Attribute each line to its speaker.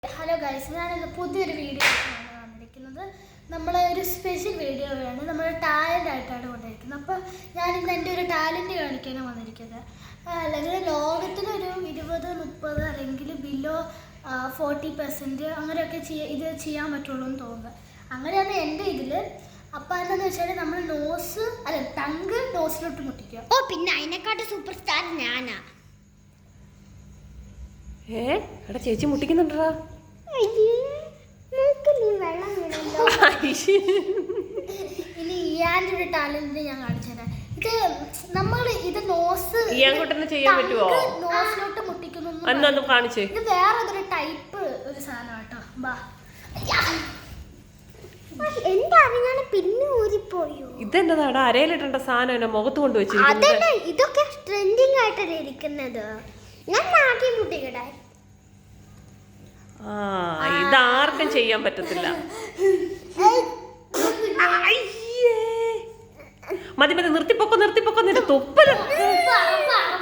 Speaker 1: Hello guys, ഞാനിന്ന് പുതിയൊരു video ആണ് വന്നിരിക്കുന്നത്. നമ്മളെ ഒരു സ്പെഷ്യൽ വീഡിയോ ആണ്. നമ്മൾ ടാലൻ്റ് ആയിട്ടാണ് കൊണ്ടിരിക്കുന്നത്. അപ്പോൾ ഞാനിന്ന് എൻ്റെ ഒരു ടാലൻറ്റ് കാണിക്കാനാണ് വന്നിരിക്കുന്നത്. അല്ലെങ്കിൽ ലോകത്തിലൊരു 20-30 അല്ലെങ്കിൽ ബിലോ 40% അങ്ങനെയൊക്കെ ഇത് ചെയ്യാൻ പറ്റുള്ളൂ എന്ന് തോന്നുന്നത്. അങ്ങനെയാണ് എൻ്റെ ഇതിൽ. അപ്പം എന്താണെന്ന് വെച്ചാൽ നമ്മൾ ടങ്ക് നോസിലോട്ട് മുട്ടിക്കുക.
Speaker 2: ഓ, പിന്നെ അതിനെക്കാട്ട് സൂപ്പർ സ്റ്റാർ ഞാനാ.
Speaker 3: എടാ ചേച്ചി മുട്ടിക്കുന്നുണ്ടാ.
Speaker 1: ഇനി ഇയാൻ്റെ ഒരു ടാലന്റ് ഞാൻ കാണിച്ചുതരാം. ഇത്
Speaker 3: ചെയ്യാൻ പറ്റുമോ?
Speaker 1: നോസിലോട്ട് മുട്ടിക്കുന്നു.
Speaker 3: കാണിച്ചേ.
Speaker 1: ഇത് വേറെ ടൈപ്പ് ഒരു സാധനം കേട്ടോ.
Speaker 2: പിന്നെ ഊരിപ്പോയോ?
Speaker 3: ഇതെന്താടാ അരയിലിട്ട സാധനം എന്നെ മുഖത്ത് കൊണ്ട് വെച്ചിരിക്കുന്നത്.
Speaker 2: ഇതൊക്കെ ട്രെൻഡിങ് ആയിട്ടല്ലേ ഇരിക്കുന്നത്. ഞാൻ നാട്ടി മുട്ടിക്കട്ടെ.
Speaker 3: ഇതാർക്കും ചെയ്യാൻ പറ്റത്തില്ല. മതി നിർത്തിപ്പൊക്കോ നിന്റെ തുപ്പല്.